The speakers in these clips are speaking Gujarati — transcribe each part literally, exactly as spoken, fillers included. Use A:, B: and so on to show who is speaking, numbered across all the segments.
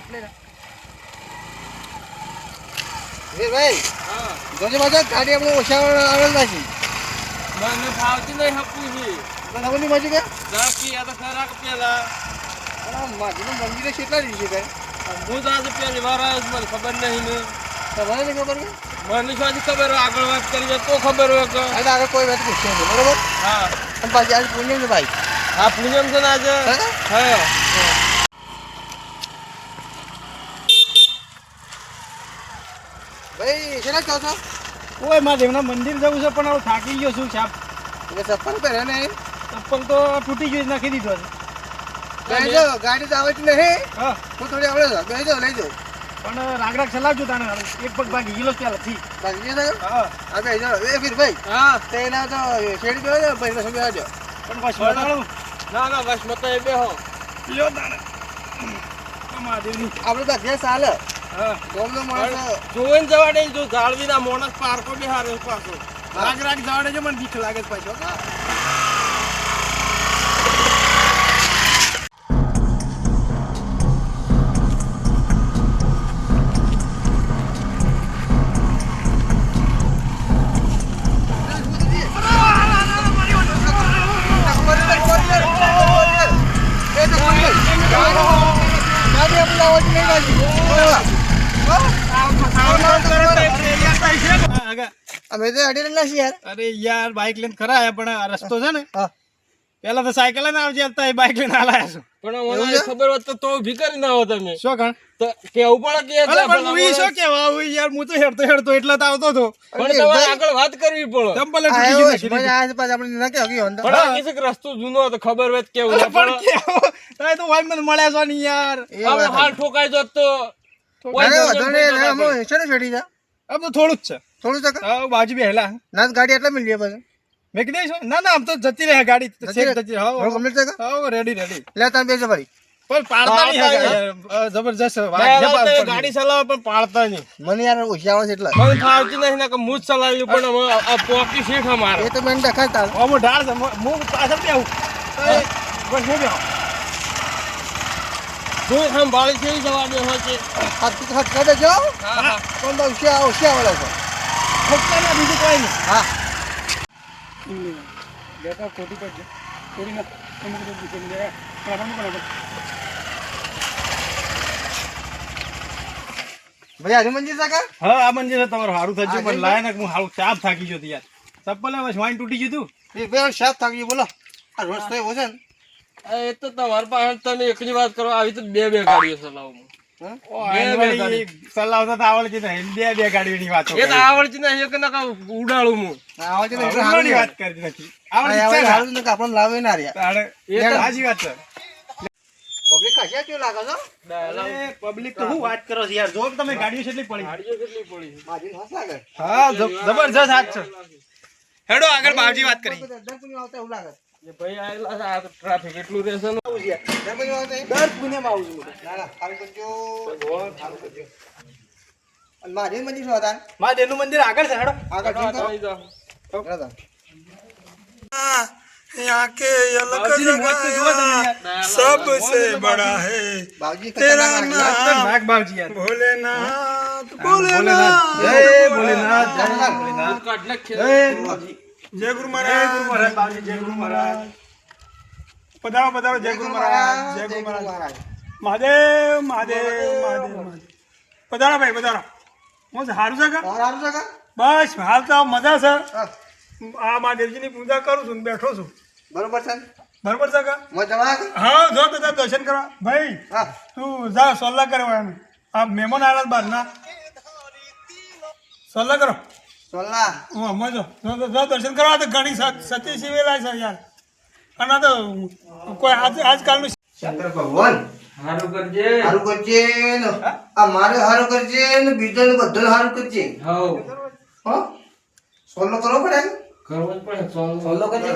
A: ભાઈ હા જોજે બાજુ ગાડી આપણે ઓછા આવેલ નથી
B: મને ફાવતી નહીં હપું છે
A: પણ હવે ની બાજુ કે
B: બાકી આ તો ખરા કે પેલા
A: અલા માજીનું મંદિરે કેટલા દિવસે ગઈ
B: હું તો આજે પહેલી વાર આવ્યો છું મને ખબર નહીં ને
A: તમારે નહીં ખબર કે
B: મને શું આજે ખબર હોય આગળ વાત કરી તો ખબર હોય કે
A: એટલે આગળ કોઈ વાત પૂછશે નહીં બરોબર
B: હા
A: અને પાછી આજે પૂનમ છે ભાઈ
B: હા પૂનમ છે ને આજે હા
A: ભાઈ શેના કહો છો
C: ઓય મારે દેવના મંદિર જવું છે પણ હવે થાકી ગયો છું સાહેબ
A: એટલે ચપ્પલ પહેરે ને
C: ચપ્પલ તો તૂટી ગયું નાખી દીધો છે
A: બેજો ગાડી તો આવતી નહીં
C: હા
A: હું થોડી આવડે છે બેજો લઈ જાઓ
C: પણ રાગ રાગ ચલાવજો તાને એક પગ ભાગી ગયેલો ચાલે થી
A: બાકી છે
C: હા
A: આ બેજો એ ફીર ભાઈ
B: હા
A: તેના તો શેડી ગયો છે ભાઈ સમય આવજો
C: પણ બસ વડાળું
B: ના ના બસ મત એ બેહો
C: લ્યો તાને મહાદેવની
A: આપણે તો અભ્યાસ ચાલે
C: હા
A: ગોમનો માણસ
B: જોઈને જવા દે જો જાળવીના મોણસ પાર્કો બિહારે પાછો
C: રાગ રાગ જવા દેજો મને બીક લાગે છે પાછો
A: અમે તો અડી રહ્યા છીએ યાર
C: અરે યાર બાઇક લઈને ખરા આયા પણ આ રસ્તો છે ને
A: હા
C: પેલા તો સાયકલ લઈને આવજે હતા બાઇક લઈને આલાયા છો
B: પણ મને ખબર હોત તો તો ઊભી કરી ના હો તમે
C: શું કણ
B: તો કેવું પડે કે
C: અરે પણ હું ઈ શું કેવા આવું યાર હું તો હેડતો હેડતો એટલે તો આવતો હતો
B: પણ તમારે આગળ વાત કરવી પડે
C: ચંપલ તૂટી ગઈ નાખી
A: મને
C: દીધી.
A: આજ પાછા આપણે ના કે હગી હોંદા
B: પણ આ કિસક રસ્તો જૂનો હતો ખબર હોય તો કેવું ના
C: પણ
B: પડે
C: કેવો તમે તો વાઈ મને મળ્યા છો ને યાર
B: આપણે હાલ ઠોકાઈ જોત તો
A: અરે વધને લે અમે શેને છોડી જા
C: આમ તો થોડું જ છે
A: થોડું તક
C: હા બાજુ બેહેલા
A: ના ગાડી એટલા મિલ જાય પછી
C: મેં કીધું શું ના ના આમ તો જતી રહે ગાડી
A: જતી રહે?
C: જતી હા
A: હવે કમ્પ્લીટ તક
C: હા રેડી રેડી
A: લે તાર બેસો ભાઈ
C: પણ પાડતા નહીં
B: પાડતા
C: યાર. અ, જબરજસ્ત
B: બે
C: વાત છે
B: વાર તો એ
C: પાડતા
B: ગાડી ચલાવે પણ પાડતા નહીં
A: મને યાર હોશિયાર છે એટલે
B: મને ફાવતી નહીં ને કે હું જ ચલાવ્યું પણ હવે આ પોકી શીખ અમારે
A: એ તો મેં દેખાતા
C: નહીં. આમાં ઢાળ છે હું હું પાછળ બેહું તો એ બસ હું બેહું
B: જોઈ સંભાળી છે જવા દે હોય છે
A: હાથ હાથ કાઢે જો
B: હા હા
A: પણ બહુ હોશિયાર હોશિયાર વાળા છે
C: ફક્ત ના બીજું કોઈ નહીં
A: હા
C: બેટા ખોટી પડશે ખોટી ના તમે કીધું બીજું નહીં. કાઢવાનું પણ આપણે.
A: ભાઈ આજે મંજિર સાકા
C: હા આ મંદિર છે તમારું સારું થયું
A: હા,
C: પણ
A: જઈ
C: લાય ને હું હારું ચાપ થાકી ગયો હતો યાર ચપ્પલ હવે વાઈન તૂટી ગયું હતું
A: એ બે સાત થાકી બોલો આ રોજ તો એવો છે ને
B: એ તો તમારી પાસે તમે એકની વાત કરો આવી તો બે બે ગાડીઓ ચલાવું
A: હા?
C: ઓ,
B: બે
C: આને
B: બે
C: વળી
B: ગાડી.
C: ચલાવતા તો આવડતી નહીં બે બે ગાડીઓની વાતો
B: એ તો
C: કરી.
B: આવડતી નહીં એક ના ઉડાડું હું
A: આવે છે ને એટલે
C: આવડવાની
A: સારું
C: વાત કરતી નથી આવડતી
A: આવે
C: છે ને?
A: સારું ને કે આપણને લાવે ના રહ્યા
C: તારે
B: એ તો
C: સાચી વાત છે
A: પબ્લિક કાશ્યા કેવું લાગે છો
C: અરે, પબ્લિક તો શું વાત કરો છો યાર જો તમે ગાડીઓ કેટલી પડી
B: ગાડીઓ કેટલી પડી છે?
A: માજી હસ લાગે
C: હા જ- જબરજસ્ત હાથ છે હેડો આગળ બાવજી વાત કરી
A: દર્પણ આવતા એવું લાગે
B: એ ભાઈ આયેલા છે, આ તો ટ્રાફિક એટલું રહેશે ને
A: દર્પણ આવતા
C: દર પુણ્યમાં આવું છું
A: ના ના સારું કરજો સારું કરજો અને માજી મંદિર શું હતા
C: મારા દેવનું મંદિર આગળ છે હેડો
A: આગળ
B: હા,
A: જોઈ
B: તમે જાઓ.
A: કરો બરાબર
D: यहाँ के अलग
C: બાવજીની મોજ તો જુઓ તમે યાર.
D: सबसे बड़ा है
A: બાવજી
D: तेरा
A: ખતરનાક લાગે.
C: ખતરનાક બાવજી યાર
D: भोलेनाथ
C: ભોલેનાથ
D: भोलेनाथ
C: જય ભોલેનાથ જય ભોલેનાથ
B: કાઢ નાખીએ.
C: જય બાવજી
D: जय गुरु
C: જય
D: महाराज
C: ગુરુ મહારાજ બાવજી જય ગુરુ મહારાજ
D: पधारो पधारो जय गुरु महाराज जय गुरु महाराज महादेव महादेव महादेव महादेव पधारो भाई पधारो હું સારું છે કે
A: સારું છે કા
D: બસ હાલ તો મજા છે
A: હા,
D: આ મહાદેવજીની પૂજા કરું છું ને બેઠો છું
A: બરોબર છે ને?
D: બરોબર છે કે
A: મજામાં
D: હા જો બધા દર્શન કરવા ભાઈ
A: હા
D: તું જા સોલ્લા કરવા એમ આ મહેમાન આવ્યા બહાર ના સોલ્લા કરો
A: સોલા
D: હું હમણાં જો જો જો- જો દર્શન કરવા તો ઘણી સ- સતી સિવેલા છે યાર અને આ તો કોઈ આજ આજકાલનું
A: શંકર ભગવાન
B: હારું કરજે.
A: હારું કરજે ને આ મારે હારું કરજે ને બીજો ને બધો હારું કરજે
B: હાઉ.
A: હો સોલો કરવો પડે ને?
B: કરવું જ પડે. સોલો.
A: સોલો કરજે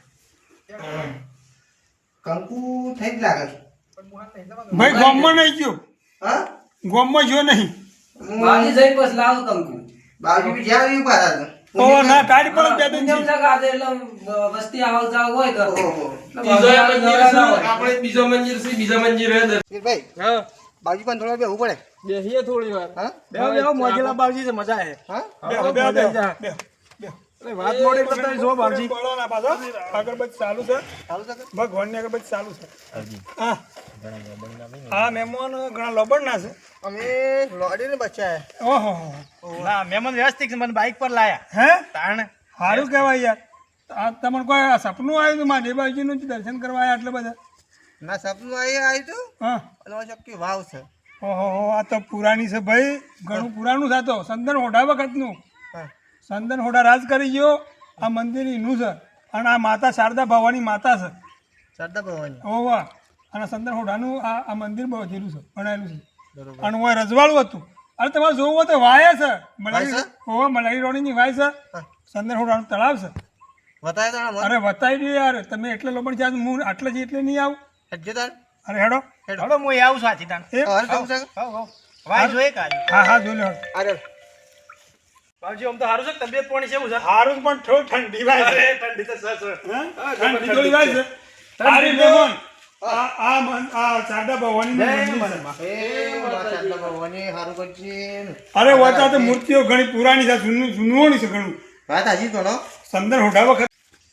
A: કંકુ થઈ જ લાગે છે.
D: ભાઈ ગોમમાં નહીં ગયો
A: હા
D: ગોમમાં ગયો નહીં
E: બાજી જઈ બસ લાવો કંકુ
A: બાજુ બી જ્યાં આવી પાછા છે.
D: ઓ ના ગાડી પર બે દિન
E: કેમ છે કે આજે એટલે વસ્તી આવક જાવક હોય તો
A: ઓહો.
B: બીજો મંદિર છે, આપણે બીજો મંદિર છે બીજા મંદિર હે દર-
A: ભાઈ
B: હા
A: બાજુ પણ થોડા બેહવું પડે
B: બેસીએ થોડી વાર
A: હા
C: બેહો બેહો મોજીલા બાવજી છે મજા આવે
A: હા
D: બેહો બેહો બેહો
C: જા.
D: બેહો બેહો
C: અરે વાત મોડી કરતા જો બાવજી
D: બોલો ના પાછો અગરબત્તી ચાલુ છે
A: ચાલુ છે
D: ભગવાનની અગરબત્તી ચાલુ છે હા હા મહેમાન ઘણા લોબડના છે
A: અમે લોડીને બચ્ચા
D: ઓહો
C: ના મહેમાન વ્યવસ્થિત છે મને બાઇક પર લાયા
D: હે
C: તાણ
D: સારું કહેવાય યાર આ તમને કોઈ આ સપનું આવ્યું હતું મારા દેવાજીનું જ દર્શન કરવા આવ્યા એટલે બધા
A: ના સપનું આવી આવ્યું હતું
D: હા
A: અને આ ચક્કી વાવ છે
D: ઓહો આ તો પુરાણી છે ભાઈ ઘણું પુરાણું છે આ તો સંદન હોડા વખતનું
A: હા
D: સંદન હોડા રાજ કરી ગયો આ મંદિર એનું છે અને આ માતા શારદા ભવાની માતા છે
A: સરદાર ભવાની
D: ઓવા અને સંદન હોડાનું આ આ મંદિર બધેલું છે બનાવેલું છે
A: બરોબર
D: અને હું રજવાડું હતું અરે તમારે જોવું હોય તો વાય છે
A: વાય
D: મલાઈ
A: છે?
D: ઓવા મલાઈ રોણીની વાય છે
A: હા.
D: સંદન હોડાનું તળાવ છે
A: બતાવે તારા મન
D: અરે બતાવી દે યાર તમે એટલે લોબણ જ્યાં હું આટલે જ એટલે નહીં આવું
A: હેડજો તાર
D: અરે હેડો
C: હેડો હું આવું છું આથી તાણ
D: એ
A: હવે જવું છે
C: હો હો વાય જોઈએ કાજી
D: હા હા જોઈ લો
A: અરે
C: બાવજી આમ તો સારું છે કે તબિયત પાણી છે એવું છે
D: હારું પણ થોડી ઠંડી વાય છે
C: ઠંડી તો સર સર
D: હા? ઠંડી થોડી વાય છે તારી મહેમાન આ આ મન- આ શારદા ભવાનીનું મંદિર છે.
A: એ માં સરદાર ભવાની હારું કરશે
D: અરે વાતા તો મૂર્તિઓ ઘણી પુરાણી છે જૂનું જૂનું છે ઘણું
A: વાત હાજી કોનો
D: સંદર હોડા વખત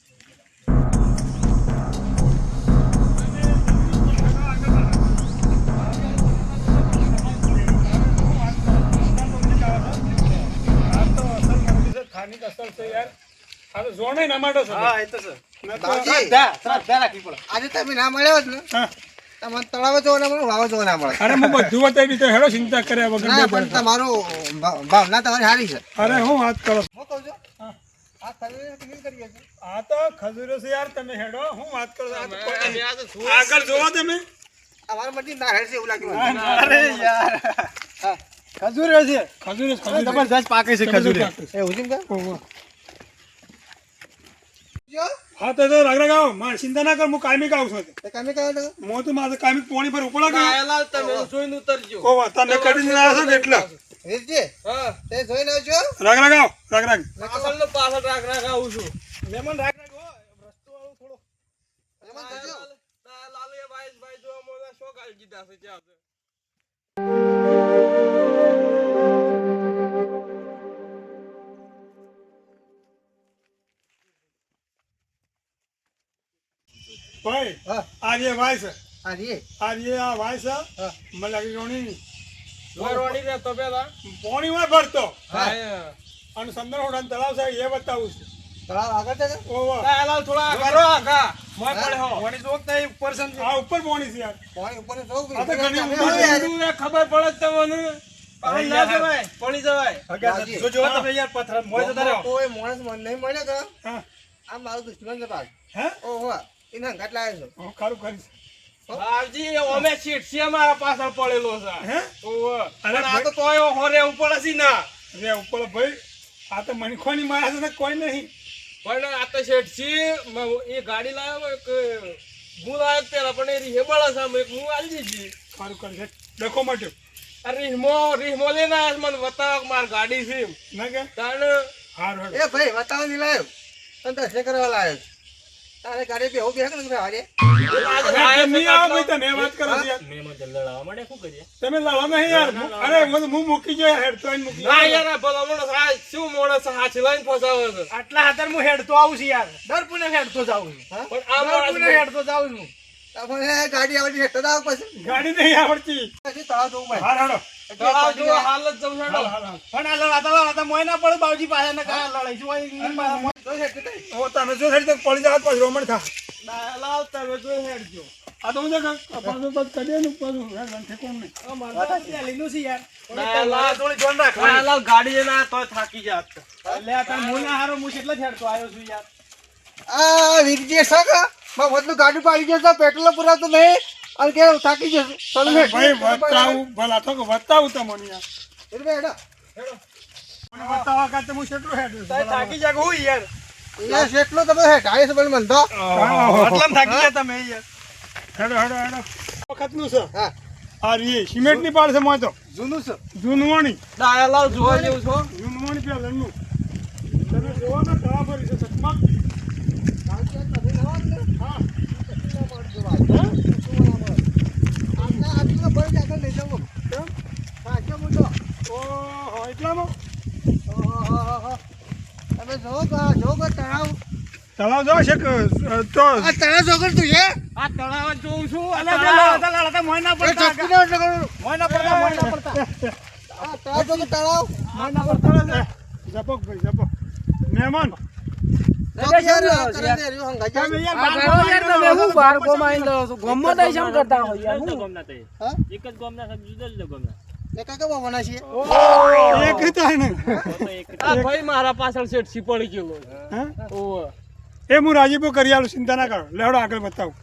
D: સ્થાનિક અસર છે યાર આ તો જોણે ના માટે છે
C: હા એ તો છે
A: બાવજી
C: શ્રદ્ધા શ્રદ્ધા રાખવી પડે
A: આજે તમે ના મળ્યા હોત ને
D: હા.
A: તમને તળાવે જોવા ના મળે વાવ જોવા ના મળે
D: અરે હું બધું બતાવી દીધું હેડો ચિંતા કર્યા વગર
A: ના
D: બે
A: પણ
D: પડે.
A: તમારું ભા- ભાવના તમારી સારી છે
D: અરે હું વાત કરો
A: હું કહું છું આ ખરીદી કેવી કરીએ છે
D: આ તો ખજૂરો છે યાર તમે હેડો હું વાત કરો છો? આ તો કોઈ
B: અમે
D: નહીં.
B: આ તો શું
D: આગળ જોવો તમે
A: અમારા મરજી ના હેડ છે એવું લાગ્યું મને.
C: અરે યાર
A: હા
C: ખજૂર છે
D: ખજૂર જ ખજૂર
C: જબરજસ્ત પાકે છે ખજૂર
A: એવું છે ને કાં?
D: ઓહો.
A: જો,
D: હા તો તો રાગ રાગ આવો મારે ચિંતા ના કર હું કાયમી ગાઉં છું
A: તે કામે કહો તો
D: હું તો મારે કાયમી પોણી પર ઉપડા ગયો
B: કાયલાલ તમે જોઈને ઉતરજો
D: ઓવા તને કરીને ના છો ને એટલે
A: વીરજી
B: હા
A: તે જોઈને આવજો
D: રાગ રાગ આવો રાગ રાગ
B: પાછળ નો પાછળ રાખ રાખ આવું છું
C: મહેમાન રાખ રાખ હો રસ્તો વાળો થોડો
A: એમાં જોજો.
B: લાલુ એ ભાઈ ભાઈ જોવા મને શોખ આવી દીધા છે ત્યાં તો.
D: ભાઈ
A: હા
D: આ જે વાય છે
A: આ રીએ
D: આ જે આ વાય છે
A: હા
D: મને લાગી રોણી
B: વરવાણી ને તો પેલા
D: પોણી માં ભરતો
B: હા
D: અને સંદર હોડા તળાવ છે એ બતાવું છું
A: તળાવ આગળ છે કે?
D: ઓવા
B: કાયલાલ થોડા કરો આગા મોય પડે હો
C: પાણી જોક તો ઉપર છે
D: આ ઉપર પોણી છે યાર
A: પાણી ઉપર જોવું
D: આ તો ઘણી
A: તમે
D: ઊંડી
A: આવો યાર.
B: ઊંધું એ ખબર પડે જ તમને પાણી ના જવાય પડી જવાય
A: બાજી.
C: જો જો તમે યાર પથ્થર મોય જતા રહ્યો
A: કોઈ માણસ મને નહીં મળે કે
D: હા
A: આ મારું દુશ્મન છે પાછ
D: હે
A: ઓહો એને ઘાટ લાવ્યો છું
D: હું ખરું કરીશ
B: બાપજી અમે સીટ છે મારા પાછળ પડેલો છે
D: હે
B: ઓવે.
D: અરે
B: પણ આ તો તોય હોરે ઉપર હસી ના
D: રે ઉપર ભાઈ આ તો મનખોની માયા છે ને કોઈ નહીં
B: પણ આ તો શેઠ છે મ- એ ગાડી લાવ્યો એક હું લાવ્યો પેલા પણ એ રીહેબળ છે આમ એક હું આલી દીધી
D: ખરું કરીશ દેખો માટે
B: આ રીહમો રીહમો લઈને આવ્યો છે, મને બતાવો કે મારી ગાડી છે એમ.
D: ના કે
B: તાણ
D: હારું હેડો.
A: એ ભાઈ બતાવો નહીં લાવ્યો તને દર્શન કરવા લાવ્યો છું. તારે ગાડી બે હું બે કે ભાઈ હારે
D: હવે તમે આવો ભાઈ તમે વાત કરો છો યાર
C: મહેમાન જલ્દી લાવવા માટે શું કરીએ
D: તમે લડો નહીં યાર હું- અરે હું હું મૂકી જાય હેડ તો અહીં મૂકી
B: ના
D: જાય.
B: યાર આ ભલા માણસ આ શું માણસ હાથી લઈને ફસાવે છે
C: આટલા હાથર હું હેડતો આવું છું યાર દર પુને હેડતો જાઉં છું
A: હા
B: પણ આ
C: દર પુને
B: માણસ
C: હેડતો જાઉં છું
A: તમને ગાડી આવડી હેઠળ આવો પછી
D: ગાડી નહીં આવડતી
A: પછી તળાવ જોવું પડે
D: હાર હેડો
B: તળાવ જો હાલત જવું
D: હાલ
B: હેડો.
D: હાલ હાલ
C: પણ આ લડાતા લડાતા મોય ના પડે બાવજી પાસે ને કાં લડાઈ છું ઓય
A: તો હેઠળ થઈ.
D: ઓ તમે જો થઈ તો પડી જાવ પછી રોમણ થા
B: લાવ તમે જોઈ હેડજો
D: આ તો હું જો પાછું બસ કરીએ ને પાછું હેડ ઠેકોણ નહીં
C: લીધું છે યાર
B: લાલ
C: થોડી જોન રાખવાની
B: લાલ ગાડી ના તો થાકી જાત
C: એટલે આ તાર મોય ના હારો હું એટલે જ હેડતો આવ્યો છું યાર
A: આ વીરજી છે કે માં વધુ ગાડી પાડી જશે પેટ્રોલ પુરાવતો નહીં અને કે થાકી જશે ચાલુ હેઠ.
D: ભાઈ બતાવું ભલા તો કે બતાવું તમને યાર
A: એટલે ભાઈ હેડો.
D: મને બતાવવા કાતે હું કેટલું હેડ
C: થાકી જાગ હું યાર
A: યાર જેટલો તમે હેઠ આવીએ છે પણ મને તો
C: આટલામાં થાકી ગયા તમે યાર
D: હેડો હેડો હેડો વખતનું છે
A: હા
D: આ રી સિમેન્ટ ની પાડ છે મોય તો
A: જૂનું છે
D: જૂનવાણી
B: ડાયાલાલ જોવા જેવું છો
D: જૂનવાણી પેલનું તમે જોવો ને તળા ભરી છે સચમાં
A: ગાડી આ તમે લાવો ને
D: હા
A: કેટલા માણસો આવે. હા? કેટલું ના મળે. આજના આજના ભરી જ આગળ લઈ જાઓ. કા- જો કા તળાવ
D: તળાવ જો છે કે, અ, તો
A: આ તળાવ જોગર તું છે
B: આ તળાવ જ જોઉં છું આ
C: અલા,
B: તળાવ.
C: અલા, અલા, અલા, મોય ના
A: એ
C: પડતા
A: ઝપકી ના એટલે કરું.
C: મોય ના પડતા મોય ના પડતા
A: આ તળાવ જોગર તળાવ
C: મોય ના પડતા
D: જપક ભાઈ જપક મહેમાન
A: જોગી યાર, આ કરે છે, રહ્યું હંગાઈ જાય.
D: તમે યાર
E: આ
D: બાર
E: કરો યાર તમે હું બાર
D: બાર
E: ગોમાં આઈને લો છો. ગોમમાં તો શેમ કરતા હોય યાર હું?
A: હા?
C: એક જ ગામના છે, જુદા જુદા ગામના
A: એ કાકા બાવાના છીએ.
D: એક રીતે હે ને
B: આ ભાઈ મારા પાછળ શેઠસી પડી ગયેલો છે.
D: હા?
B: ઓવે.
D: એ હું રાજીપો કરી આલું, ચિંતા ના કરો. લેવડો આગળ બતાવું.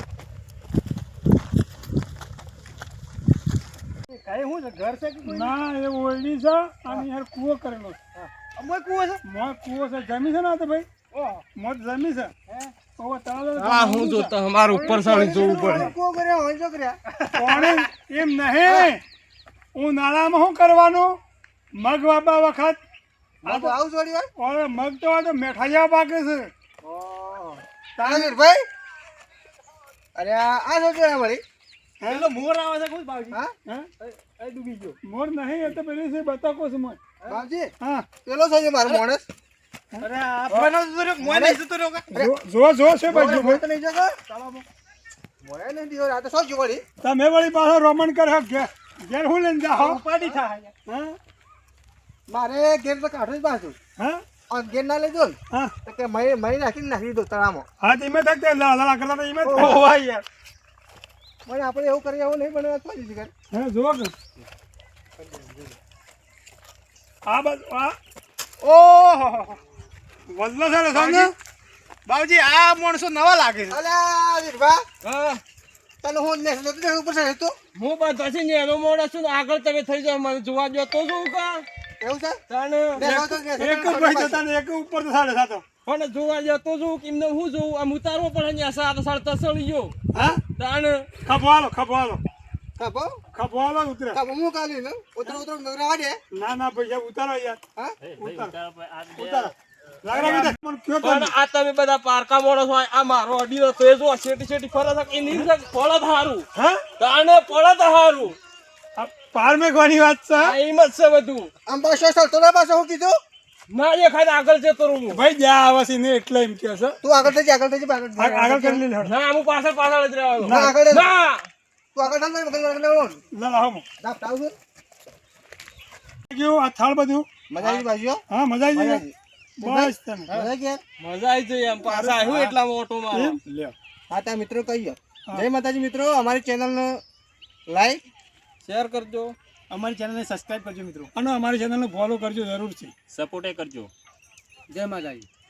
C: કઈ હું છે ઘર છે કે કોઈ
D: ના એ ઓરડી છે અને યાર કૂવો કરેલો છે.
C: અમોય કુવો છે
D: મોં કૂવો છે, જમી છે ને આ તો ભાઈ મોત જમી છે. ઓવે તળાવ
B: આ હું જોતા અમારું ઉપર સાડી જોવું પડે.
A: કો કર્યા હોય જો કર્યા.
D: કોણે એમ નહીં, હું નાળામાં શું કરવાનું મગ વાપા વખત
A: આ તો આવું જોડી હોય.
D: ઓરે મગ તો આ તો મેઠા જેવા પાકે છે.
A: તારા ભાઈ અરે આ આ શું છે વળી?
C: પેલો મોર આવે છે કોઈ બાવજી
A: હા
D: હા?
C: એ ડૂબી ગયો
D: મોર નહીં, એ તો પેલી છે બતાકો છે મોર.
A: બાપજી
D: હા
A: પેલો છે જે મારો માણસ.
C: અરે આ ફોન જતો રહ્યો મોય નહીં જતો રહ્યો કા
D: જો- જો જો છે બાજુ
A: મોય તો નહીં જગો. મોય નહીં દીધો. આ તો શું છે વળી?
D: તમે વળી પાછો રોમન કરે ઘેર ઘેર હું લઈને જાઓ.
C: ઉપાડી થાય
D: હા
A: મારે ઘેર તો કાઢું જ પાછું.
D: હા
A: અને ઘેર ના લેજો ને
D: હા
A: તો કે મહી મહી નાખીને નાખી દો તળાવમાં.
D: હા ધીમે થકતે લાલા કરતા હતા ધીમે
A: ઓહો.
D: ઓવા યાર.
A: પણ આપણે એવું કરીએ એવું નહીં બને તો જ કરે.
D: હા જો કે આ બાજુ આ ઓહો વલ્લો છે ને સામે.
C: બાવજી આ માણસો નવા લાગે છે
A: અલ્યા વીરભા
B: હા
A: તને હું ને નતો ઉપર છે તું
B: હું બધાથી નેનો મોડો છું ને આગળ તમે થઈ જાઓ મને જોવા જો તો શું કા
A: એવું છે
B: તાણે
A: બે તો કે
D: એક જ ભાઈ જતા ને એક ઉપર તો સાડે સાતો.
B: પણ જોવા જો તો શું કેમને હું જોઉં આમ ઉતારવો પડે ને આ સાત સાત તસળી ગયો
D: હા
B: તાણે
D: ખપવાલો ખપવાલો
A: કાપો
D: ખપવાલો ઉતરે.
A: કાપો હું કાલી ને ઉતર ઉતર નગરા દે.
D: ના ના પૈસા ઉતારો યાર
A: હા
D: ઉતારો. લાગરા બીજા મને કયો તો
B: પણ આ તમે બધા પારકા મોડો છો આ મારો અડી તો એ જો શેટી શેટી ફરે છે એ નહીં પડત હારું
D: હા
B: તાણે પડત હારું
D: આ પાર મેઘવાની વાત છે.
B: આ એમ જ છે બધું
A: આમ પાછો ચાલતો ના પાછો હું કીધું
B: ના એ ખાલી આગળ જતો રહું હું.
D: ભાઈ જ્યાં આવશે ને એટલે એમ કે છે.
A: તું આગળ થઈ જા આગળ થઈ જા આગળ
D: આ- આગળ કરી લે લે.
B: ના હું પાછળ પાછળ જ રહેવાનો
A: ના આગળ લે.
B: ના
A: તું આગળ ચાલ ને આગળ આગળ લેવો
D: લા લા હમો.
A: દાપ તાવ છે
D: કેવું આ થાળ બધું?
A: મજા આવી બાજુ
D: હા મજા આવી
A: મજા
D: ગઈ.
A: આવી
D: બસ તમે
A: મજા આવી ગયા.
B: મજા આવી જઈ એમ પાછા આવ્યું એટલા ઓટો મારો
D: એમ લ્યો.
A: હા તા મિત્રો કહીએ જય માતાજી મિત્રો અમારી ચેનલને લાઈક
B: શેર કરજો
C: અમારી ચેનલને સબસ્ક્રાઇબ કરજો મિત્રો
D: અને અમારી ચેનલને ફોલો કરજો જરૂરથી.
C: સપોર્ટ કરજો
E: જય માતાજી.